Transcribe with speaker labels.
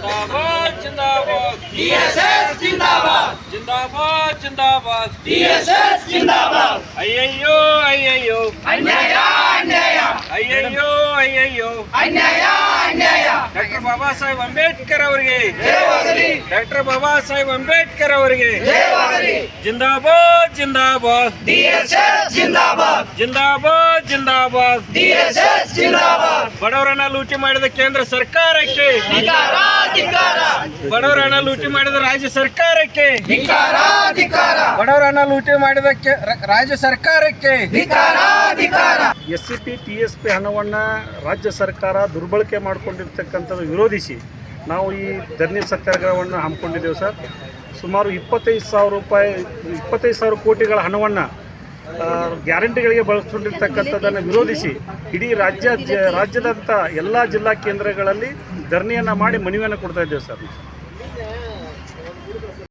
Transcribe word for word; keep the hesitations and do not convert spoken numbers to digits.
Speaker 1: जिंदाबाद जिंदाबाद
Speaker 2: ಡಿಎಸ್ಎಸ್ ಜಿಂದಾಬಾದ್
Speaker 1: जिंदाबाद जिंदाबाद
Speaker 2: ಡಿಎಸ್ಎಸ್ ಜಿಂದಾಬಾದ್
Speaker 1: ಅಯ್ಯಯ್ಯೋ ಅಯ್ಯಯ್ಯೋ
Speaker 2: ಅನ್ಯಾಯ ಅನ್ಯಾಯ
Speaker 1: ಅಯ್ಯಯ್ಯೋ ಅಯ್ಯಯ್ಯೋ
Speaker 2: ಅನ್ಯಾಯ ಅನ್ಯಾಯ
Speaker 1: ಡಾಕ್ಟರ್ ಬಾಬಾ ಸಾಹೇಬ್ ಅಂಬೇಡ್ಕರ್ ಅವರಿಗೆ
Speaker 2: ಜಯವಾಗಲಿ
Speaker 1: ಡಾಕ್ಟರ್ ಬಾಬಾ ಸಾಹೇಬ್ ಅಂಬೇಡ್ಕರ್ ಅವರಿಗೆ
Speaker 2: ಜಯವಾಗಲಿ
Speaker 1: जिंदाबाद जिंदाबाद
Speaker 2: ಡಿಎಸ್ಎಸ್ ಜಿಂದಾಬಾದ್
Speaker 1: जिंदाबाद जिंदाबाद
Speaker 2: ಡಿಎಸ್ಎಸ್ ಜಿಂದಾಬಾದ್
Speaker 1: ಬಡವರನ್ನ ಲೂಟಿ ಮಾಡಿದ ಕೇಂದ್ರ ಸರ್ಕಾರಕ್ಕೆ
Speaker 2: ಧಿಕ್ಕಾರ ಧಿಕ್ಕಾರ
Speaker 1: ಬಡವರನ್ನ ಲೂಟಿ ಮಾಡಿದ ರಾಜ್ಯ ಸರ್ಕಾರಕ್ಕೆ
Speaker 2: ಧಿಕ್ಕಾರ ಧಿಕ್ಕಾರ
Speaker 1: ಬಡವರನ್ನ ಲೂಟಿ ಮಾಡಿದ ಕೆ- ರ- ರಾಜ್ಯ ಸರ್ಕಾರಕ್ಕೆ
Speaker 2: ಧಿಕ್ಕಾರ ಧಿಕ್ಕಾರ
Speaker 3: S C P T S P ಹಣವನ್ನು ರಾಜ್ಯ ಸರ್ಕಾರ ದುರ್ಬಳಕೆ ಮಾಡಿಕೊಂಡಿರ್ತಕ್ಕಂಥದ್ದು ವಿರೋಧಿಸಿ ನಾವು ಈ ಧರಣಿ ಸತ್ಯಾಗ್ರಹವನ್ನು ಹಮ್ಮಿಕೊಂಡಿದ್ದೇವೆ ಸರ್. ಸುಮಾರು ಇಪ್ಪತ್ತೈದು ಸಾವಿರ ರೂಪಾಯಿ ಇಪ್ಪತ್ತೈದು ಸಾವಿರ ಕೋಟಿಗಳ ಹಣವನ್ನು ಗ್ಯಾರಂಟಿಗಳಿಗೆ ಬಳಸ್ಕೊಂಡಿರ್ತಕ್ಕಂಥದ್ದನ್ನು ವಿರೋಧಿಸಿ ಇಡೀ ರಾಜ್ಯ ಜ- ರಾಜ್ಯದಂಥ ಎಲ್ಲ ಜಿಲ್ಲಾ ಕೇಂದ್ರಗಳಲ್ಲಿ ಧರಣಿಯನ್ನು ಮಾಡಿ ಮನವಿಯನ್ನು ಕೊಡ್ತಾ ಇದ್ದೇವೆ ಸರ್.